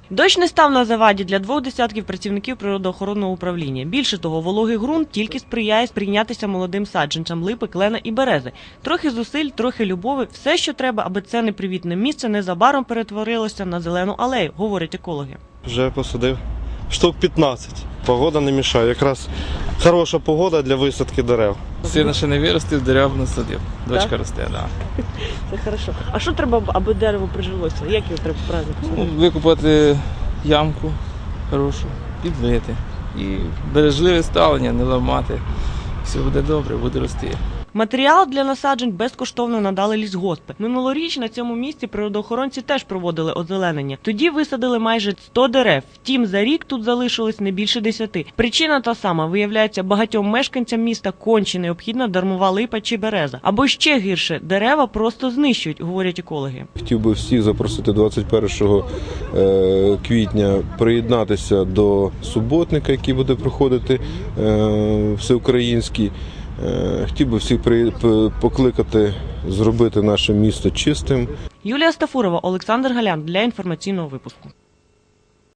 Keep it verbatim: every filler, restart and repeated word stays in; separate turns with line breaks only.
Дощ не став на заваді для двох десятків працівників природоохоронного управління. Більше того, вологий ґрунт тільки сприяє сприйнятися молодим саджанцям липи, клена і берези. Трохи зусиль, трохи любові – все, що треба, аби це непривітне місце незабаром перетворилося на зелену алею, говорять екологи.
Вже посадив штук п'ятнадцять. Погода не мішає. Якраз хороша погода для висадки дерев.
Сильно ще не виростив, дерев насадив. Дочка
Так?
росте, так. Да.
Це хорошо. А що треба, аби дерево прижилося? Як його треба правильно
Ну,
посадити?
викопати ямку хорошу, підлити. І бережливе ставлення, не ламати. Все буде добре, буде рости.
Матеріал для насаджень безкоштовно надали лісгоспи. Минулоріч на цьому місці природоохоронці теж проводили озеленення. Тоді висадили майже сто дерев. Втім, за рік тут залишилось не більше десяти. Причина та сама. Виявляється, багатьом мешканцям міста конче необхідна дармова липа чи береза. Або ще гірше – дерева просто знищують, говорять екологи.
Хотів би всіх запросити двадцять першого квітня приєднатися до суботника, який буде проходити всеукраїнський. Хотів би всіх покликати зробити наше місто чистим.
Юлія Стафурова, Олександр Галян для інформаційного випуску.